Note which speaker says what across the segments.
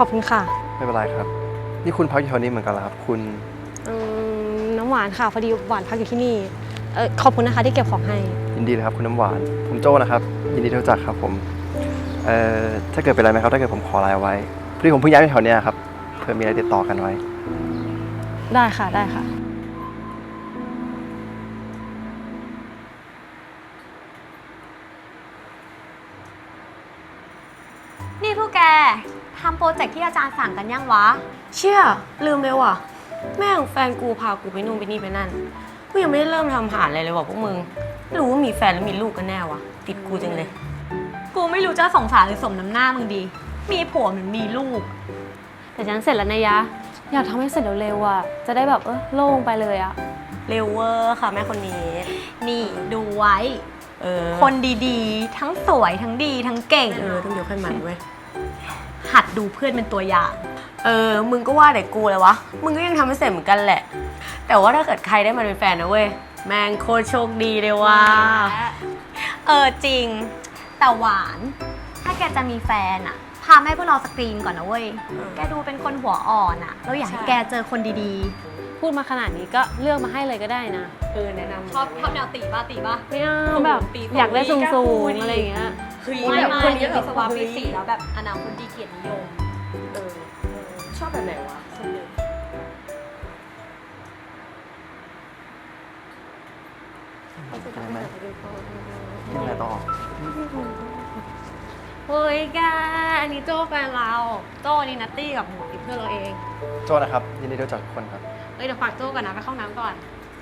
Speaker 1: อบคุณค่ะ
Speaker 2: ไม่เป็นไรครับนี่คุณพักอยู่แถวนี้เหมือนกันเหรอครับคุณ
Speaker 1: น้ำหวานค่ะพอดีหวานพักอยู่ที่นี่ขอบคุณนะคะที่เก็บของให้
Speaker 2: ยินดีเลยครับคุณน้ำหวานผมโจ้นะครับยินดีที่รู้จักครับผมถ้าเกิดเป็นอะไรไหมครับถ้าเกิดผมขอไลน์ไว้พอดีผมเพิ่งย้ายมาแถวเนี้ยครับเพื่อมีอะไรติดต่อกันไว้
Speaker 1: ได้ค่ะได้ค่ะ
Speaker 3: นี่พวกแกทำโปรเจกต์ที่อาจารย์สั่งกันยังวะ
Speaker 1: เชี่ยลืมเลยว่ะแม่ของแฟนกูพากูไปนู่นไปนี่ไปนั่นกูยังไม่ได้เริ่มทำหาอะไรเลยว่ะพวกมึงไม่รู้ว่ามีแฟนหรือมีลูกกันแน่วะติดกูจังเลย
Speaker 3: กูไม่รู้จะสงสารหรือสมน้ำหน้ามึงดีมีผัวเหมือนมีลูก
Speaker 1: แต่ฉันเสร็จแล้วนะยะอยากทำให้เสร็จเร็วๆอ่ะจะได้แบบโล่งไปเลยอ่ะเร็วเวอร์ค่ะแม่คนนี้
Speaker 3: นี่ดูไว้คนดีๆทั้งสวยทั้งดีทั้งเก่ง
Speaker 1: ต้องยกให้มันเว้ย
Speaker 3: หัดดูเพื่อนเป็นตัวอย่าง
Speaker 1: มึงก็ว่าแต่กูเลยวะมึงก็ยังทำไม่เสร็จเหมือนกันแหละแต่ว่าถ้าเกิดใครได้มาเป็นแฟนนะเว้ยแม่งโคตรโชคดีเลยว่ะ
Speaker 3: จริงแต่หวานถ้าแกจะมีแฟนอะพาแม่พวกเราสกรีนก่อนนะเว้ยแกดูเป็นคนหัวอ่อนอะเราอยากให้แกเจอคนดี
Speaker 1: ๆพูดมาขนาดนี้ก็เลือกมาให้เลยก็ได้นะ
Speaker 3: แนะนำชอบแนวตีป่ะ
Speaker 1: ไม่เอาแบบอยากได้สูงๆอะไรอย่างเงี้ย
Speaker 3: ไม่คนนี้วิศวะปี4แล้วแบบอนาคตดีเกียรตินิยม
Speaker 1: ชอบแบบไหนวะ
Speaker 2: ได้ไหมยังไงต่อ
Speaker 1: เฮ้ยแกอันนี้โจ้แฟนเราโจ้นี่นัตตี้กับหมูติเพื่อนเราเอง
Speaker 2: โจ้นะครับยินดีที่รู้จักทุกคนครับ
Speaker 1: เดี๋ยวฝากโจ้ก่อนนะไปเข้าน้ำก่อน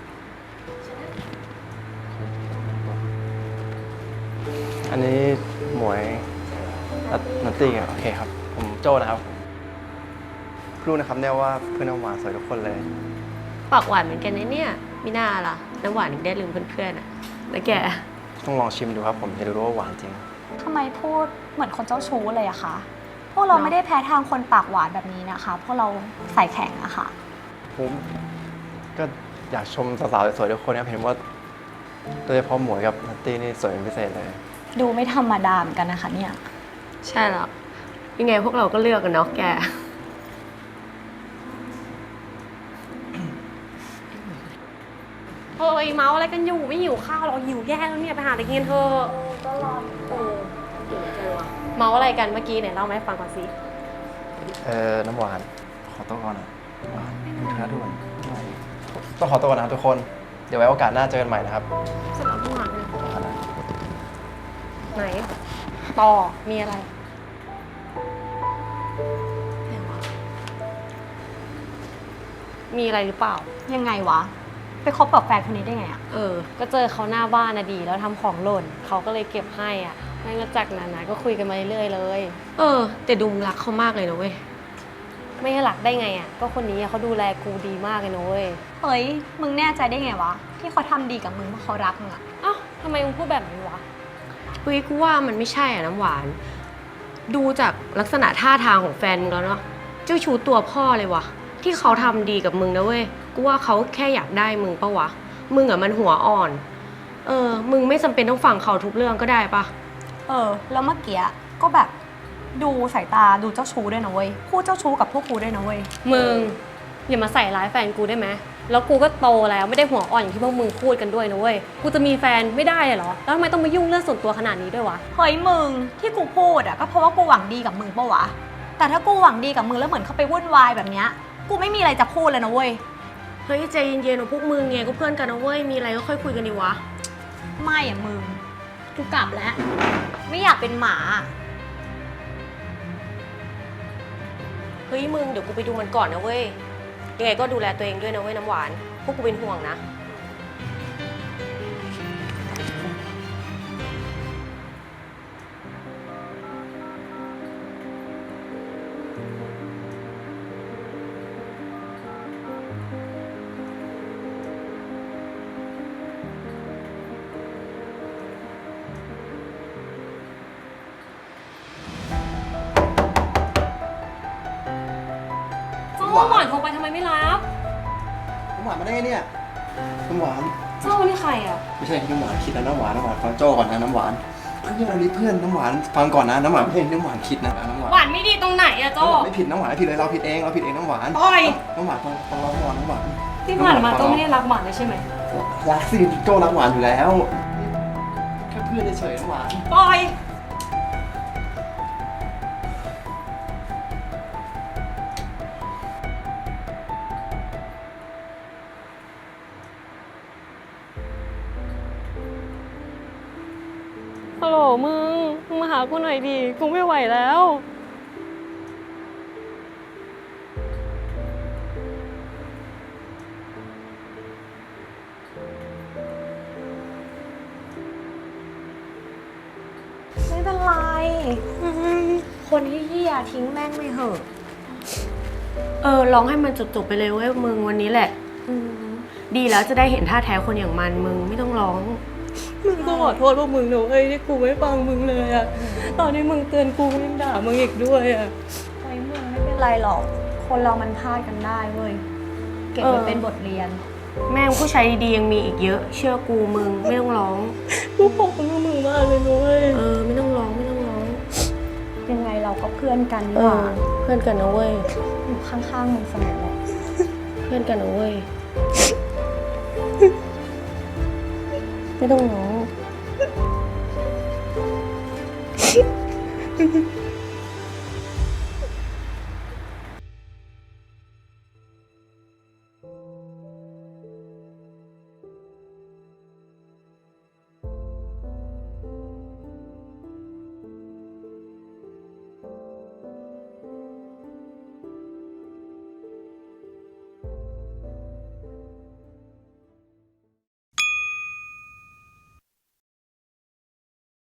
Speaker 2: อันนี้หมวยนัตตี้โอเคครับผมโจ้นะครับรู้นะครับเนี่ยว่าเพื่อนน้ำหวานสวยทุกคนเลย
Speaker 1: ปากหวานเหมือนกันนะเนี่ยมีหน้าล่ะน้ำหวานถึงได้ลืมเพื่อนๆอ่ะแล้วแก
Speaker 2: ต้องลองชิมดูครับผมจะรู้ว่าหวานจริง
Speaker 3: ทำไมพูดเหมือนคนเจ้าชู้เลยอะคะพวกเราไม่ได้แพ้ทางคนปากหวานแบบนี้นะคะพวกเราใส่แข็งอะค่ะ
Speaker 2: ผมก็อยากชมสาวๆสวยๆทุกคนนะเห็นว่าโดยเฉพาะหมวยกับนัตตี้นี่สวยเป็นพิเศษเลย
Speaker 3: ดูไม่ธรรมดาเหมือนกันนะคะเนี่ย
Speaker 1: ใช่แล้วยังไงพวกเราก็เลือกกันเนาะแกเมาอะไรกันอยู่ไม่หิวข้าวเราหิวแย่แล้วเนี่ยไปหาอะไรกินเถอะ
Speaker 3: ก็รอ
Speaker 1: เมาอะไรกันเมื่อกี้ไหนเล่าไหมฟังก่อนสิ
Speaker 2: น้ำหวานขอตัวก่อนนะหวานนะทุกคนต้องขอตัวก่อนนะทุกคนเดี๋ยวไว้โอกาสหน้าเจอกันใหม่นะครับ
Speaker 1: สำหรับน้ำหวานไหนต่อมีอะไรมีอะไรหรือเปล่า
Speaker 3: ยังไงวะไปคบกับแฟนคนนี้ได้ไงอะ
Speaker 1: ก็เจอเขาหน้าบ้านนะดีแล้วทำของหล่นเขาก็เลยเก็บให้อ่ะแล้วจากนั้นนะก็คุยกันมาเรื่อยๆเลยแต่ดูรักเขามากเลยนะเว้ยไม่รักได้ไงอ่ะก็คนนี้เขาดูแลกูดีมากเลยนะเว้ย
Speaker 3: เฮ้ยมึงแน่ใจได้ไงวะที่เขาทำดีกับมึงเพราะเขารักมึงอะ
Speaker 1: ทำไมมึงพูดแบบนี้วะเฮ้ยกูว่ามันไม่ใช่อ่ะน้ำหวานดูจากลักษณะท่าทางของแฟนมึงแล้วเนาะเจ้าชู้ตัวพ่อเลยวะที่เขาทำดีกับมึงนะเว้ยกูว่าเขาแค่อยากได้มึงปะวะมึงอะมันหัวอ่อนมึงไม่จำเป็นต้องฟังเขาทุกเรื่องก็ได้ปะ
Speaker 3: แล้วเมื่อกี้ก็แบบดูสายตาดูเจ้าชู้ด้วยนะเว้ยพูดเจ้าชู้กับพวกกูด้วยนะเว้ย
Speaker 1: มึงอย่ามาใส่ร้ายแฟนกูได้ไหมแล้วกูก็โตแล้วไม่ได้หัวอ่อนอย่างที่พวกมึงพูดกันด้วยนะเว้ยกูจะมีแฟนไม่ได้เหรอแล้วทำไมต้องมายุ่งเรื่องส่วนตัวขนาดนี้ด้วยวะ
Speaker 3: เฮ้ยมึงที่กูพูดอะก็เพราะว่ากูหวังดีกับมึงปะวะแต่ถ้ากูหวังดีกับมึงแล้วเหมือนเขาไปวุ่นวายแบบเนี้ยกูไม่มีอะไรจะพูดเลยนะเว้ย
Speaker 1: เฮ้ยใจเย็นๆของพวกมึงไงก็เพื่อนกันนะเว้ยมีอะไรก็ค่อยคุยกันดีวะ
Speaker 3: ไม่อะมึงกูกลับแล้วไม่อยากเป็นหมา
Speaker 1: เฮ้ยมึงเดี๋ยวกูไปดูมันก่อนนะเว้ยยังไงก็ดูแลตัวเองด้วยนะเว้ยน้ำหวานพวกกูเป็นห่วงนะน้ำหวานโทรไปทำไมไม่รับ
Speaker 2: น้ำหวานมาได้ไงเนี่ยน้ำหวาน
Speaker 1: เจ้านี่ใครอ่ะ
Speaker 2: ไม่ใช่น้ำหวานคิดนะน้ำหวานฟังโจ้ก่อนนะน้ำหวานเพื่อนอันนี้เพื่อนน้ำหวานฟังก่อนนะน้ำหวานไม่ใช่น้ำหวานคิดนะน้ำหวาน
Speaker 1: หวานไม่ดีตรงไหนอะโจ
Speaker 2: น้ำหวานไม่ผิดน้ำหวานไม่ผิดเลยเราผิดเองน้ำหวาน
Speaker 1: ปล่อย
Speaker 2: น้ำหวานฟังเราก่อนน้ำหวาน
Speaker 1: ที่ผ่านมาโจไม่ได้รักหวานเลยใช่ไหม
Speaker 2: รักสิโจ้รักหวานอยู่แล้วแค่เพื่อนเฉยๆน้ำหวาน
Speaker 1: ปล่อยฮัลโหลมึงมาหากูหน่อยดิกูไม่ไหวแล้ว
Speaker 3: ไม่เป็นไร คนที่เหี้ยทิ้งแม่งไม่เหอะ
Speaker 1: ร้องให้มันจบๆไปเลยเว้ยมึงวันนี้แหละ ดีแล้วจะได้เห็นท่าแท้คนอย่างมันมึงไม่ต้องร้อง มึงต้องขอโทษพวกมึงนะเว้ยที่กูไม่ฟังมึงเลยอะตอนนี้มึงเตือนกูก็ยังด่ามึงอีกด้วยอะ
Speaker 3: ไอ้มึงไม่เป็นไรหรอก คนเรามันพลาดกันได้เว้ย เก็บไว้เป็นบทเรียน
Speaker 1: แม่งผู้ชายดีๆยังมีอีกเยอะ เชื่อกูมึงไม่ต้องร้อง กูขอบคุณมึงมากเลยนุ้ยไม่ต้องร้องไม่ต้องร้อง
Speaker 3: ยังไงเราก็เพื่อนกัน
Speaker 1: เอ
Speaker 3: นี่หว่า
Speaker 1: อเพื่อนกันนะเว้ย
Speaker 3: อยู่ข้างๆมึงเสมอแหละ
Speaker 1: เพื่อนกันนะเว้ย ไม่ต้องร้อง